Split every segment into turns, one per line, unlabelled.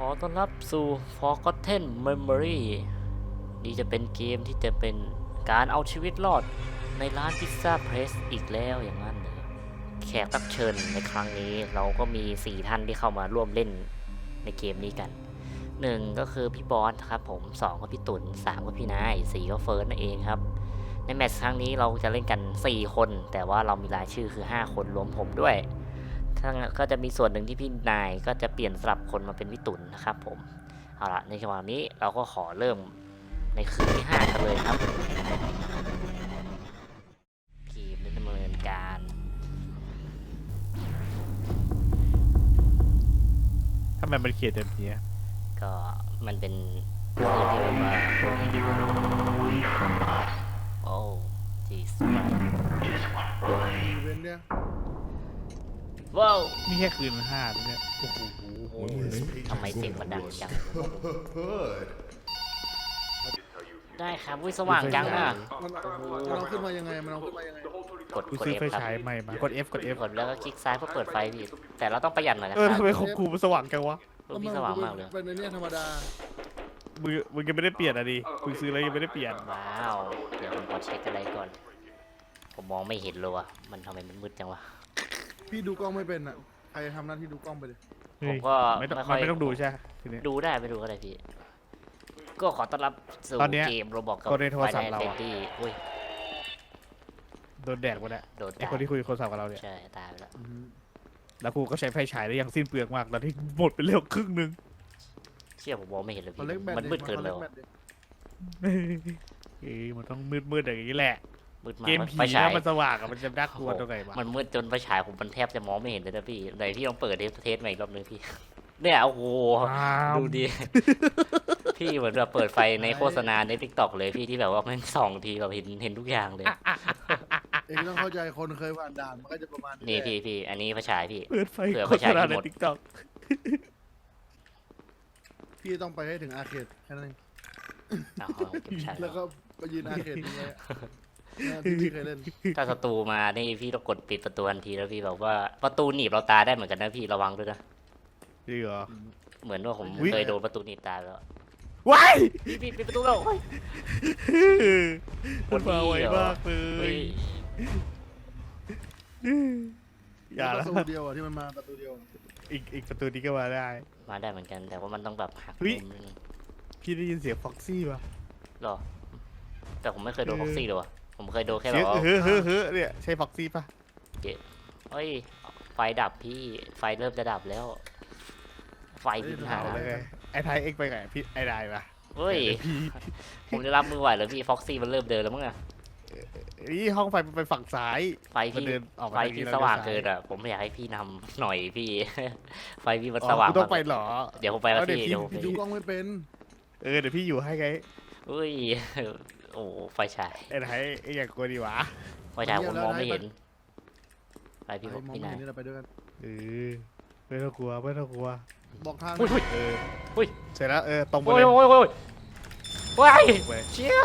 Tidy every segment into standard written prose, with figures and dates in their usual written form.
อต้อนรับสู่ Forgotten Memory นี่จะเป็นเกมที่จะเป็นการเอาชีวิตรอดในร้านพิซซ่าเพรสอีกแล้วอย่างนั้นเลยแขกรับเชิญในครั้งนี้เราก็มี 4 ท่านที่เข้ามาร่วมเล่นในเกมนี้กัน 1 ก็คือพี่บอสครับผม 2 ก็พี่ตุ่น 3 ก็พี่นาย 4 ก็เฟิร์สนั่นเองครับ ในแมตช์ครั้งนี้เราจะเล่นกัน 4 คน แต่ว่าเรามีรายชื่อคือ 5 คนรวมผมด้วย ก็จะมีส่วนหนึ่งที่พี่นายก็จะเปลี่ยนสลับคนมาเป็นพี่ตุ่นนะครับผม เอาละในจังหวะนี้เราก็ขอเริ่มในคืนที่ 5 กันเลยครับเกมดำเนินการ
ทำไมมันเขียนแบบนี้
ก็มันเป็นคืนที่แบบว่าโอ้จีส
อีเวนต์เนี่ย
ว้าว
นี่แค่คืน5เนี่ยโอ้โห
โอ้ทำไมเสียงมันดังจัง ได้ครับวิสว่างจังอ่ะ
มันเอาขึ้นมายังไงมันเอาขึ้นมายังไง
กด
กู
กด
ซื้อ
F
ไฟ
ครับ
ฉายใหม่มากด F กด F
กดแล้วก็คลิกซ้ายเพื่อเปิดไฟพี่แต่เราต้องประหยัดหน่อยนะค
ทำ
รับ
ไมของกูมันสว่างจังวะ
พี่สว่างมากเลย
เป็นในเนี่ยธรรมดา
มึงยังไม่ได้เปลี่ยนอ่ะดิมึงซื้อแล้วยังไม่ได้เปลี่ยน
ว้าวเดี๋ยวผมขอเช็คอะไรก่อนผมมองไม่เห็นเลยว่ะมันทำไมมันมืดจังวะ
พี่ดูกล้องไม่เป็นอ่ะใครทำหน้าที่ดูกล้องไปเลย
ผมก็
ไม่ต้อง
ไม่ค่อย
ไม่ต้องดูใช่ไหมทีนี้
ดูได้ไม่ดูก็ได้พี่ก็ขอต้อนรับสู่
ตอนเนี้ย
เกมโรบอกกับ
คนในโทรศัพท์เรา
เฟ
อะ
นดี้อุ้ย
โดนแดกหมดแล้ว
โดน
ไอคนที่คุยโทรศัพท์กับเราเนี่ย
ใช่ตายไปแล้ว
แล้วกูก็ใช้ไฟฉายได้อย่างสิ้นเปลืองมากแล้วที่หมดไปเร็วครึ่งนึง
เชี่ยผมมองไม่เห็นเลย
เขา
พี่
เล็กแบต
มันมืดเกินเลย
ขา
ว่ะ
แบตดิ
มันต้องมืดอย่างนี้แหละ
มืดมาก
เกมผี
ไฟฉาย
ถ้ามันสว่างอะมันจะน่ากลัวตรงไหนวะ
มันมืดจนไฟฉายผมมันแทบจะมองไม่เห็นเลยนะพี่ไหนพี่ลองเปิดเทสใหม่อีกรอบนึงพี่เนี่ยโอ้โห
ว้าว
ดูดิ พี่เหมือนแบบเปิดไฟในโฆษณาในทิกตอกเลยพี่ที่แบบว่ามันส่องทีเราเห็นทุกอย่างเลย
เองต้องเข้าใจคนเคยผ่านด่านมันก็จะประมาณ
นี่
แหละ
พี่อันนี้ไฟฉายพี่
เปิดไฟ
เผื่อ
โฆ
ไฟ
ษ
ฉาย
ณา
ห
ใน
มด
ทิกตอก
พี่ต้องไปให้ถึงอาร์เคดแค่นั้นเอง
เอาเก็บฉาย
แล้วก็ไปยืนอาร์เคดนี้ไว้อะที่พี่เคยเล่น
ถ้าศัตรูมานี่พี่ต้องกดปิดประตูทันทีแล้วพี่แบบว่าประตูหนีบเราตายได้เหมือนกันนะพี่ระวังด้วยนะ
จริงเหรอ
เหมือนว่าผม
อุ๊ย
เคยโดนประตูหนีบตายแล้ว
ว้าย
พี่ปิดประตูแล้วโอ้ย
มันมาไวมากเล
เฮ้
ย
ย
อย่า
ป
ละ
ระตูเดียวอ่ะที่มันมาประตูเดียวอะ
อีกประตูนี้ก็มาได้
มาได้เหมือนกันแต่ว่ามันต้องแบบหัก
เฮ้ย
มุมนึง
พี่ได้ยินเสียงฟ็อกซี่ป่ะ
หรอแต่ผมไม่เคยโดน
เออ
พ็อกซี่เลยว่ะผมเคยโดนแค่แบ
เสีย
บ
ง
ว่า
เฮ้อเนี่ยใช่ฟ็อกซี่ป่ะ
เฮ้ยไฟดับพี่ไฟเริ่มจะดับแล้ว ไฟพี่หา
เอาเลยไงไอ้ไทยเอ็กไปไงพี่ไอ้ได้ป่ะ
เฮ้ย
พี่
ผมจะรับมือไหวเหรอพี่ฟ็อกซี่มันเริ่มเดินแล้วมั้งอะ
นี่ห้องไฟมันไปฝั่งซ้าย
ไฟ
มัน
พี่
เดินออกมา
ไฟ
ทางนี้
พี่
แล้ว
สว่าง
เดินซ้าย
เกินอ่ะผมอยากให้พี่นำหน่อยพี่ ไฟพี่มัน
อ๋อ
สว่าง
กูต้องไป
มาก
เหรอ
เดี๋ยวผมไปแล้ว
เอาเดี๋ยว
พี่
พี่
เดี๋ยวผมไป
พี่ดูกล้องไม่เป็น
เดี๋ยวพี่อยู่ให้ไง
เฮ้ย โอ้ไฟฉาย
ไอ้ไทยไอ้อย่างกลัวดีวะ
ไฟฉายผมมองไม่เห็นไปพี่
ไอ้มอง
พี่
ไม่
นาย
เห็นนี่เราไปด้วยกัน
เออไม่ต้องกลัวไม่ต้องกลัว
บอกทาง
อุ้ย
เออ
อุ้ย
เสร็จแล้วตรงไป
โอ้
เลย ย
โอ้ยโอ้ยโอ้ย
ไป
เชี่ย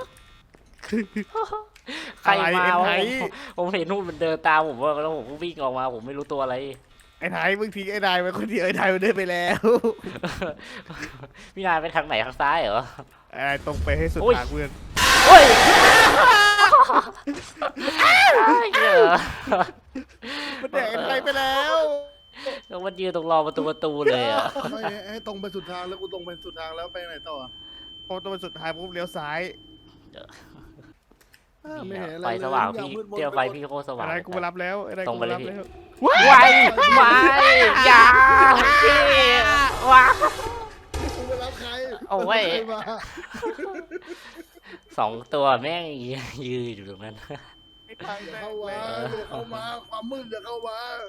ใคร
อะไร
มา
ไอ้
วะ
ไทย
ผมเห็นนู่นมันเดินตามผมว่าแล้วผมก็วิ่งออกมาผมไม่รู้ตัวอะไร
ไอ้ไทยมึงทิ้งไอ้นายไว้คนเดียวไอ้ไทยมันเดินไปแล้ว
พี่นายไปทางไหนทางซ้ายเหรอ
ไอ้ตรงไปให้สุด
โอ้ย
ทางเพื่อน
โอ้ยเหี้ย
มันแดกไอ้ไทยไปแล้ว
แล้วมันยืนตรงรอประตูเลยอ่ะ
ไม่ให้ตรงไปสุดทางแล้วกูตรงไปสุดทางแล้วไปไหนต่ออะ
พอตัวสุดท้ายปุ๊บเลี้ยวซ้าย
ไม่เห็นอะไร
ไฟ
เลย
สว่าง
ทุกอย่
พี่
มืดมน
เที่ยวไฟ
ปหมด
พี่โคตรส
ไอ้
ว่าง
นายกูมารับแล้วไอ้นาย
ตร
กู
งไป
มา
เลย
รับ
พี่
แล้ว
ไว้ไว้อย่าพี่ว้า
กูไปรับใคร
โอ้ย
ใครมา
สองตัวแม่งยืนอยู่ตรงนั้น
ไอ้ไทย
อย่า
แม่ง
เข้ามา
เลย
อย่าเข้ามาความมืดอย่าเข้ามา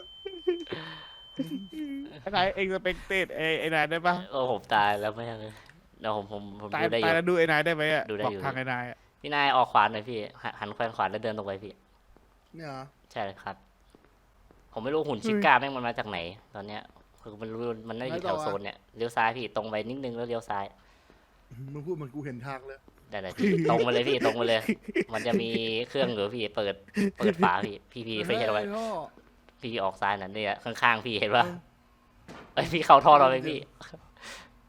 ไอ้ไทยเองสเปกเตดไอ้นายได้ปะ
โอ้ผมตายแล้วแม่งเลยเดี๋ยวผม
ตาย
ดูได้อ
ตาย
ยู่
แล้วดูไอ้นายได้ไหมอะ
ดูได้
บอก
อยู่
ทางไอ้นายอะ
พี่นายออกขวาหน่อยพี่หันแขวนขวาแล้วเดินตรงไปพี่
เนี่ยเหรอ
ใช่เลยครับ ผมไม่รู้หุ่นชิก้าแม่งมันมาจากไหน ตอนเนี้ยคือมันรู้มันน่าจะอยู่แถวโซนเนี่ยเลี้ยวซ้ายพี่ตรงไปนิดนึงแล้วเลี้ยวซ้าย
มึงพูดเหมือนกูเห็นทางเลย
ได้พี่ตรงมาเลยพี่ตรงมาเลย มันจะมีเครื่องอยู่พี่เปิดฝาพี่ไม่ใช่หรอวะ
ไอ้ท่อ
พี่ออกซ้ายนั่นเนี่ยข้างๆพี่เห็นปะเอ้ยพี่เข้าท่อเราไปพี่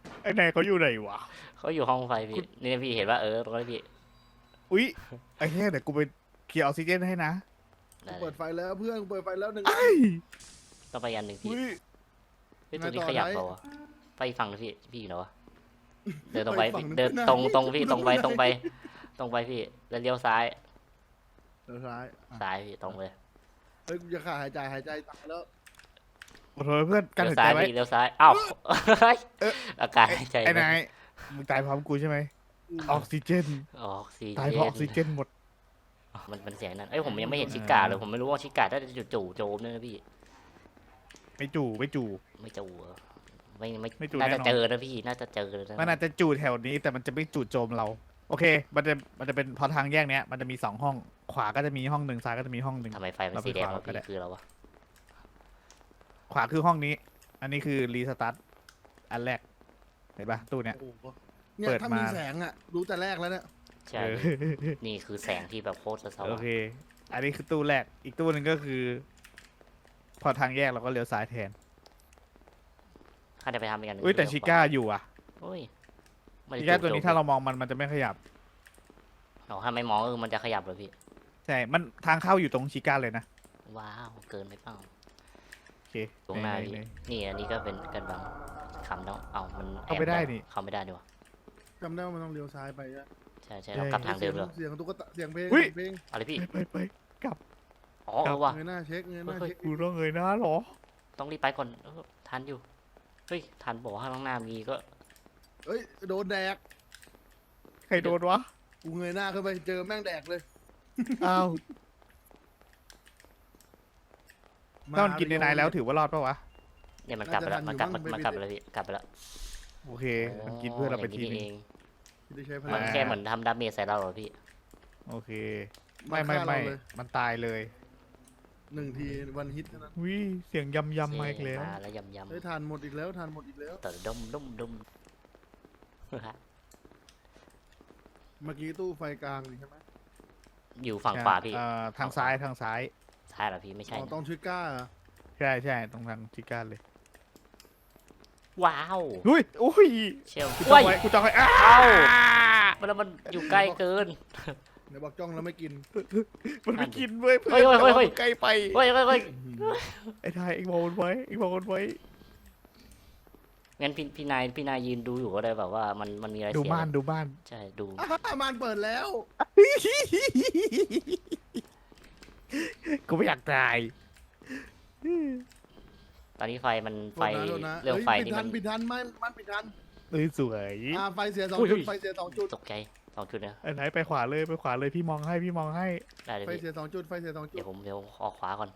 ไอ้นายเขาอยู่ไหนวะ
เขาอยู่ห้องไฟพี่นี่พี่เห็นว่าตรงนี้พี่
อุ๊ยไอ้เหี้ยเดี๋ยวกูไปเคลียร์ออกซิเจนให้นะ
ได้เล
เปิ
ย
ดไฟแล้วเพื่อนเปิดไฟแล้วหนึ่ง
ไอ้
ต้องไปอันหนึ่งพี่
อุ๊ย
เฮ้ยตัวนี้ขยับเปล่าวะไปฝั่งพี่อยู่ไหนวะเดินตรงไป
ฝั่
พี่
หนึ่
เดิน
ข้าหา
ตรงพี่ตรงไปตรงไปพี่แล้วเลี้ยวซ้าย
เดี๋ยวซ้ายอ่ะ
ซ้ายพี่ตรงเลย
เฮ้ยกูจะขาดหายใจตายแล้ว
ขอโทษเพื่อนกัน
เลี้ยว
หาย
ซ้า
ใจ
ย
ไว้
พี่เลี้ยวซ้ายอ้าวอาการหายใจ
ไอ้นายมึงตายพร้อมกูใช่ไหมออกซิเจน
ออกซิ
ตาย
เจ
เพราะออกซิเจนหมด
มันเสียงนั้นผมยังไม่เห็นชิกาเลยผมไม่รู้ว่าชิกาถ้าจะจู่โจมเนี่ยนะพี่
ไม่จู่
ไม่จู่เหรอไม่
ไม่จู่
น่าจะ
แน่นอน
เจอนะพี่น่าจะเจอเลยนะ
มันอาจจะจู่แถวนี้แต่มันจะไม่จู่โจมเรา โอเค มันจะเป็นพอทางแยกเนี้ยมันจะมี2ห้อง ขวาก็จะมีห้องหนึ่งซ้ายก็จะมีห้องหนึ่ง
ทำไมไฟมันสีแดงวะ
ก็ได้
พี่คืออะไรวะ
ขวาคือห้องนี้ อันนี้คือรีสตาร์ทอันแรก เห็นปะตู้เนี้ย
โอ้โหเนี่ย
เปิด
ถ้า
มา
มีแสงอ่ะรู้แต่แรกแล้วเนี่ย
ใช่
เออ
นี่คือแสงที่แบบโคตรส
โอ
ว่าง
เค อันนี้คือตู้แรก อีกตู้หนึ่งก็คือ พอทางแยกเราก็เลี้ยวซ้ายแทน
ข้าจะไปทำอีกอันหนึ่ง
อุ้ยแต่ชิก้าอยู่อ่ะ
โอ้ยไม่
ชิ
ได้
ก้าตัวนี้ถ้า
เรา
เรามองมันจะไม่ขยับ
ถ้าไม่มองมันจะขยับเลยพี่
ใช่ มันทางเข้าอยู่ตรงชิก้าเลยนะ
ว้าวเกินไปเปล่า
โอเค
ตรงหน้า
ไห
พี่
ไห
นี่อันนี้ก็เป็นกันบังคำต้องเอามันแอบ
เข้าไม่ได้นี่
เข้าไม่ได้ดีวะ
จำได้ว่ามันต้องเลี้ยวซ้ายไปอะ
ใช่เรากลับทางเดิมเลย
เสียงตุ๊กตาเสียงเพลง
อุ๊ย
เพลง
อะไรพี่
ไปกลับ
อ๋อว่ะ
เงยหน้าเช็คเงยหน้าเช็ค
กูต้องเงยหน้าเหรอ
ต้องรีบไปก่อนทันอยู่เฮ้ยทันบอกว่าข้างหน้ามีก็
เอ้ยโดนแดก
ใครโดนวะ
กูเงยหน้าขึ้นไปเจอแม่งแดกเลย
อ้าวถ้ามันกินในนายแล้วถือว่ารอดปะวะ
เนี่ยมันกลับไปแล้วมันกลับไปแล้วพี่กลับไปแล้ว
โอเค มันกินเพื่อนเราไปที
ย่ง
นึ
เอง ง
ที่ได้ใช้พ
มั
ลั
น
ง
แค่เหมือนทำดาเมจใส่เราเหรอพี่
โอเค
าฆ่าเราเลย
มันตายเลย
1 ทีวันฮิตเท่านั้น
วิเสียงยำมาอีกแล้ว
มาแล้วยำ
เฮ้ยทานหมดอีกแล้วทานหมดอีกแล้ว
แต่ดม
เมื่อกี้ตู้ไฟกลางนี่ใช่ไหม
อยู่ฝั่งขวาพี่
ทางซ้ายทางซ้าย
ใช่เหรอพี่ไม่ใช่
อ๋อ
นะ
ต้องชิก้าเหรอ
ใช่ตรงทางชิก้าเลย
ว้าว
อุ้ยอุ้ย
เชียว
กูจองไว้กูจองไว้อ้า
เอ้าแล้วมันอยู่ใกล้เกิน
เดี๋ยวบอกจ้องแล้วไม่กิน
มันไม่กินเว้ยเพื่อน
เฮ้ย
แต่ว่า
เฮ้ย
มันใกล้ไป
เฮ้ย
ไอ้ทายเอ็งมองมันไว้เอ็งมองมันไว้
งั้นพี่นายยืนดูอยู่ก็ได้แบบว่ามันมีอะไร
ดู
เสีย
บ้านดูบ้าน
ใช่ดู
มานเปิดแล้ว
กูไม่อยากตาย
ตอนนี้ไฟมันไฟ
โทษนะ
เรื่องไฟ
ปิด
นี่
ทั
มัน น
ปิดทันมันปิดทัน
เอ้ยสวย
ไฟเสียสอง
อุ้ย
จุดไฟเสียสองจุด
ตกใจ2 จุดนะ
ไอ้ไหนไปขวาเลยพี่มองให้
ได้เลย
ไฟ
พี่
เสียสองจุดไฟเสียสองจุ
เดี๋
ด
ยวผมออกขวาก่อน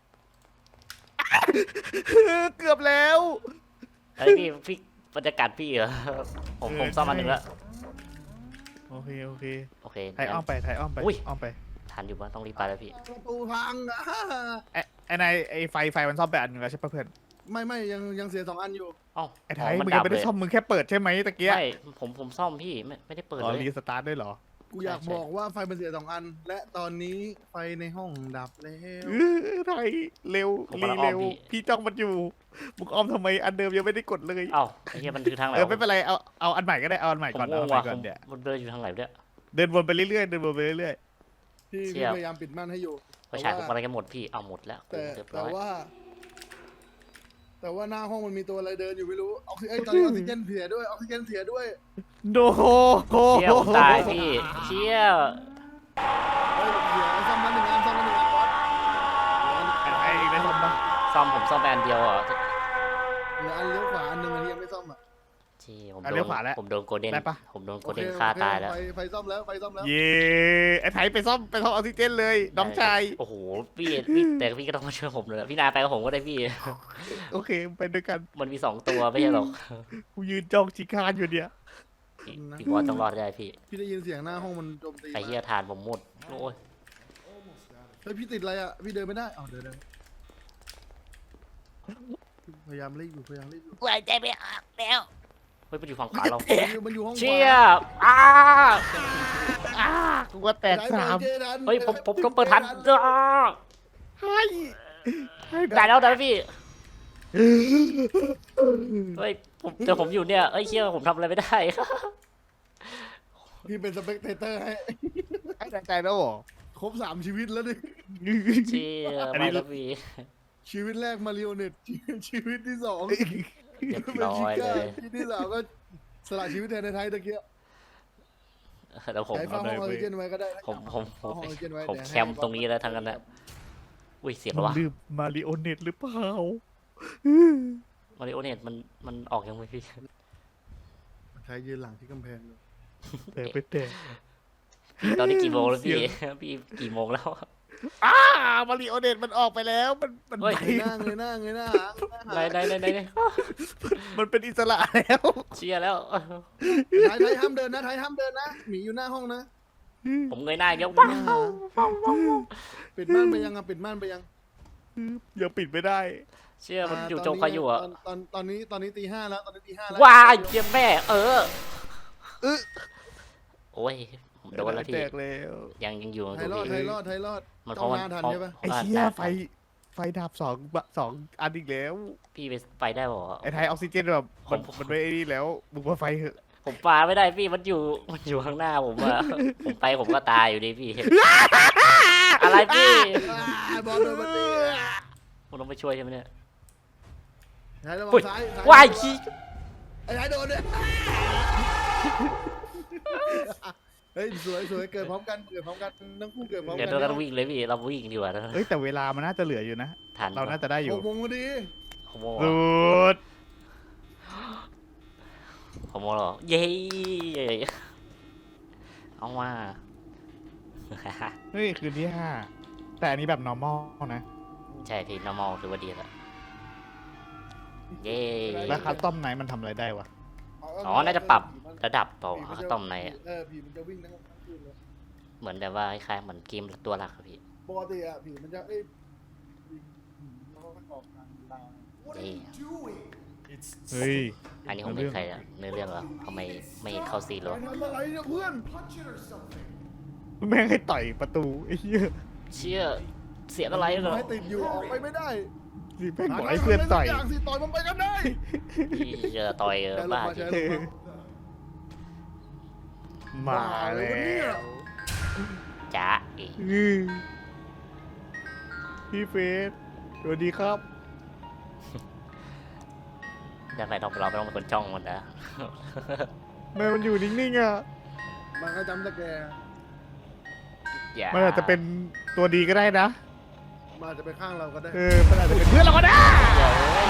เกือบแล้ว
เฮ้ยพี่บรรยากาศพี่เหรอผมซ่อมอันหนึ่งแล้ว
โอเค
โอเค
ไทยอ้อมไป
อุ้ย
อ้อมไป
ทันอยู่ว่าต้องรีบไปแล้วพี่
ประตูพังอ่ะ
ไอ้นายไอ้ไฟมันซ่อมไปอันหนึงแล้วใช่ปะเพื่อน
ไม่ยังเสีย2 อันอยู่
เอ้า
ไอ้ไทย
มั
มึง
ดั
ยัง
บ
ไม่
เล
ได้
ย
ซ่อมมึงแค่เปิดใช่ไหมตะเกีย
ไม่ผมซ่อมพี่ไม่ได้เปิด
อ๋อ
เลย
รีสตาร์ทด้วยเหรอ
กูอยาก
ใช่
บอกว่าไฟมันเสีย2 อัน และตอนนี้ไฟในห้องดับแล้ว
ไทยเร็ว
ผม
รี
กำลังอ้อม
เร็ว
พี่
พี่จ้องมันอยู่มึงอ้อมทำไมอันเดิมยังไม่ได้กดเลย
เอ้าไอ้เหี้ยมันคือทางไหน
ไม่เป็นไรเอาอันใหม่ก็ได้เอาอันใหม่
ผม
ก่อน
ง
เอา
ง
อันใหม่
ว่ะ
ก่อนเดี๋ยว
มันเดินอยู่ทางไหนเนี่ย
เดินวนไปเรื่อยๆ
พี่
เชี่ย
พยายามปิดม่านให้อยู่
ไฟฉายผมอะไรกันหมดพี่เอาหมดแล้ว
แต่
เรียบ
แต่
ร้อย
ว่า แต่ว่าหน้าห้องมันมีตัวอะไรเดินอยู่ไม่รู้ออกซิตอนนี้ออกซิเจนเสียด้วยออกซิเจนเสียด้วย
โดโห
เชี่ยวตายพี่เชี่ยว
เฮ้ยเสียซ่อมมา1 อันซ่อมมา1 อันก่อน
ไอ้อีกได้ซ่อมปะ
ผมซ่อมไปอันเดียวอ่ะ
เหลืออันเลี้ยวขวาอันหนึ่งอันที่ยังไม่ซ่อมอ่ะ
ที่ผม
อ่ะ
โด
เลี้ย
น
วขวาแล้ว
ผมโดนโกลเด้น
ได้ปะ
ผมโดนโก
โอ
ล
เค
เด้นฆ่า
โอเค
ตายแล้ว
ไฟซ่อมแล้วไฟซ่อมแล้ว
เย่ไอ้ไทยไปซ่อมออกซิเจนเลยน้องชาย
โอ้โหพี่แต่พี่ก็ต้องมาช่วยผมเลยพี่นายไปกับผมก็ได้พี่
โอเคไปด้วยกัน
มันมี2 ตัวไม่ใช่หรอก
กูยืนจ้องชิคานอยู่เนี่ย
พี่บอสต้องรอดได้พี่
พี่ได้ยินเสียงหน้าห้องมันโจมตี
ไอ้เหี้ยทานผมหมดโอ้ย
เฮ้ยพี่ติดอะไรอ่ะพี่เดินไม่ได้เอาเดินพยายามรีบอยู่
หายใจไม่ออกแล้วเฮ้ยมันอยู่ฝั่งขวาเรา
มันอยู่ห้องขวา
เชี่ยอ้า
กูว่าแตกสาม
เฮ้ยผมเปิดทันอ้า
ให้
ได้แล้วพี่
โอเค
เฮ้ยแต่ผมอยู่เนี่ยเอ้ยเชี่ยผมทำอะไรไม่ได้
พี่เป็นสเปกเตเตอร์ให้
ให้ใจแล้วเหรอ
ครบ3 ชีวิตแล้วดิ
เชี่ย
อันนี้
ไม่แล้วพี่
ชีวิตแรกมาริโอเน็ตชีวิตที่2
เรียบ
เป็น
ร้อ
ชิ
ยเล
ก้าย ชีวิตที่3ก็สละชีวิตแทนในไทยตะเกียบ
แล้วผม
ใช้ฟ้าห้องออกซิเจนไว้ก็ได้นะ
ผม
ห้องออกซิเจนไว้
ผม
เดี๋ยว
แค
ให้
มป์ตรงนี้แล้วทั้งนั้นนะอุ้ยเสียง
มั
แล้ววะ
นลืมมาริโอเน็ตหรือเปล่า
มาริโอเน็ตมันออกยังไงพี่
ใช้ยืนหลังที่กำแพงเลย
แต่ไปแต่
ตอนนี้กี่โมงแล้ว
เสี
พี่
ยง
พี่กี่โมงแล้ว
มาริโอเน็ตมันออกไปแล้ว มัน
เฮ้ย
ไป
เงยหน้าเงยหน้าเงยหน้า
ไหน
มันเป็นอิสระแล้ว
เชียร์แล้ว
ไทยห้ามเดินนะไทยห้ามเดินนะหมีอยู่หน้าห้องนะ
ผมเงยหน้าอีกแล้วว้าว
ปิดม่านไปยังอ่ะปิดม่านไปยัง
ยังปิดไม่ได้
เชียร์มันอยู่โจมใครอยู่อ่ะ
ตอนนี้ตี 5แล้วตอนนี้ตี 5แล้ว
ว้ายเจียมแม่ เออ
เออ
โอ้ยผมโดนแล้วพี่
แตกแล้ว
ยังอยู่
ไทยรอด
พี่
ไทยรอดไทยรอด
มันเพ
ต้อ
ราะ
ง
มัน
หน้าทัน
เพราะ
ใช่ปะ
ไอ้เชี่ยไฟดับสองอันอีกแล้ว
พี่ไปได้บ่
ไอ้ไทยออกซิเจนแบบมันไม่ไอ้นี่แล้วมึงมาไฟเหอะ
ผมปาไม่ได้พี่มันอยู่ข้างหน้าผมอะผมไปผมก็ตายอยู่ดีพี่ อะไรพี่
บอลโดนมันตี
ผมต้องไปช่วยใช่ไหมเนี่ย
ไทยระวั
อุ้ย
งซ้าย
ว้ายขี้
ไอ้ไทยโดนเนี่ยเฮ้ยสวยเกิดพร้อมกันทั้งคู่เกิดพร้อม
เดี๋
กั
ยวเราต้องวิ่งเลยพี่เราวิ่งดีกว่านะ
เฮ้ยแต่เวลามันน่าจะเหลืออยู่นะ
ทัน
เราน่าจะได้อยู่
6 โมงพอดี
ขโมย
สุด
ขโมยเหรอเย้เอามา
เฮ้ยคืนที่ 5 แต่อันนี้แบบ normal นะ
ใช่พี่ normal ถือว่าดีแล้วเย้
แล้วคัสตอมไหนมันทำอะไรได้วะ
อ๋อน่าจะปรับระดับเปล่าคัสตอมในอะ
ผีมันจะวิ่งทั้งคืนเลย
เหมือนแบบว่าคล้ายๆเหมือนเกมตัวหลักอะพี่
ปกติอะผีมันจะมันก็ออกทางลาว
เย้
เฮ้ย
อันนี้ผมเป็นใครอะเนื้อเรื่องเหรอทำไมไม่เข้าซีนเหรอ
ทำอะไรเนี่ยเพื่อน
แม่งให้ต่อยประตูไอ้เหี้ย
เชี่ยเสียงอะไรเหรอ
ให้ติดอยู่ออกไปไม่ได้
สิแม่งบอกให้เพื่อนต่อย
างสิต่อยมันไปกันได้
พี่จะต่อยบ้าจริง
มาแล้ว
จ้าเอ๋
พี่เฟสสวัสดีครับ
จะไปเราไม่ต้องเป็นคนจ้องมันนะ
แม่มันอยู่นิ่งๆอ่ะ
มันก็จำตะแก
อย่า
มันอาจจะเป็นตัวดีก็ได้นะ
มันอาจจะไปข้างเราก็ได้
มันอาจจะเป็นเพื่อนเราก็ได้
อย่าเลย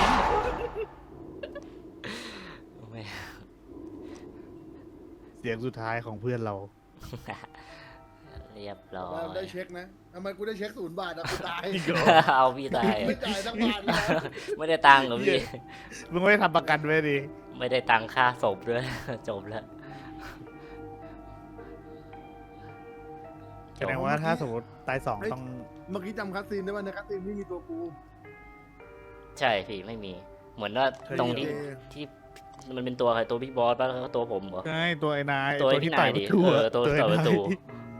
ไม่
เสียงสุดท้ายของเพื่อนเรา
เรียบร้อ
เรา
ย
ได้เช็คนะทำไมกูได้เช็ค0 บาทอะกูตาย
เอาพี่ตาย
ไม่จ่ายสักบาทเลย
ไม่ได้ตังค์เหรอพี่
มึงไม่ได้ทำประกันไว้ดิ
ไม่ได้ตังค่าศพด้วย จบแล้ว
แสดงว่าถ้าสมมติตาย2ต้อง
เมื่อกี้จำคัสซีนได้ป่ะในคัสซีนไม่มีตัวกู
ใช่พี่ไม่มี เหมือนว่าตรงที่มันเป็นตัวใครตัวบิ๊กบอสป่ะแล้วก็ตัวผมเหรอ
ใช่ตัวไอ้นาย
ตัวไอ้
ที่
พี่
ต่อย
นายดิ
ประตู
ตัวที่ต่อยประตู
ไอ้นาย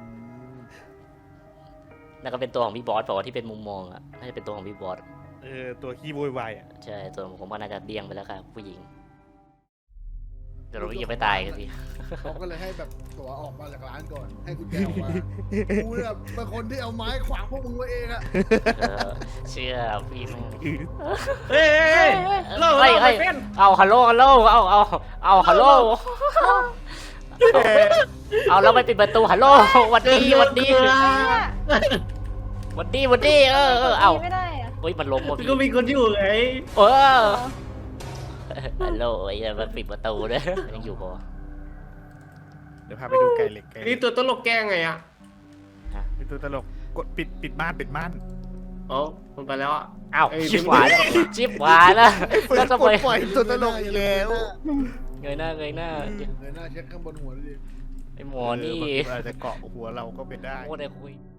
แล้วก็เป็นตัวของพี่บอสเปล่าวะที่เป็นมุมมองอ่ะน่าจะเป็นตัวของพี่บอส
ตัวขี้โวยวายอ่ะ
ใช่ตัวผมว่าน่าจะเดี้ยงไปแล้วค่ะผู้หญิงเดี๋ยวเรายังไม่ตายกันสิ
เขาก็เลยให้แบบตัวออกมาจากร้านก่อน ให้กุญแจออกมากูเนี่ยเป็นคนที่เอาไม้ขวางพวกมึงไว้เองอะ
เชื่อพี่แม่ง
เฮ้ย
เฮ้ยเอาฮัลโหลเอาฮัลโหลเอาแล้วไม่ปิดประตูฮัลโหลวันดีเอา
ไม่ได้อะ
เฮ้ยมันล้มว่ะพี่
ก็มีคนอยู่ไง
เออฮัลโหลไอ้เนี่ยมันปิดประตูด้วยยังอยู่ปะ
เดี๋ยวพาไปดูไก่เหล็กไก่เหล็
นี่
ก
ตัวตลกแกล้งไงอ่ะ
เป็นตัวตลกกดปิดม่าน
อ๋อมันไปแล้วอ่ะ
อ้าว
เอ้ย
ชิบหวายแล้วแล้วทำไม
ปล่อยตัวตลกอีกแล้ว
เงยหน้า
เงยหน้าเช็คข้างบนหัวดิ
ไอ้หมอนี่
อาจจะเกาะหัวเราก็เป็นได้
โคตรได้คุย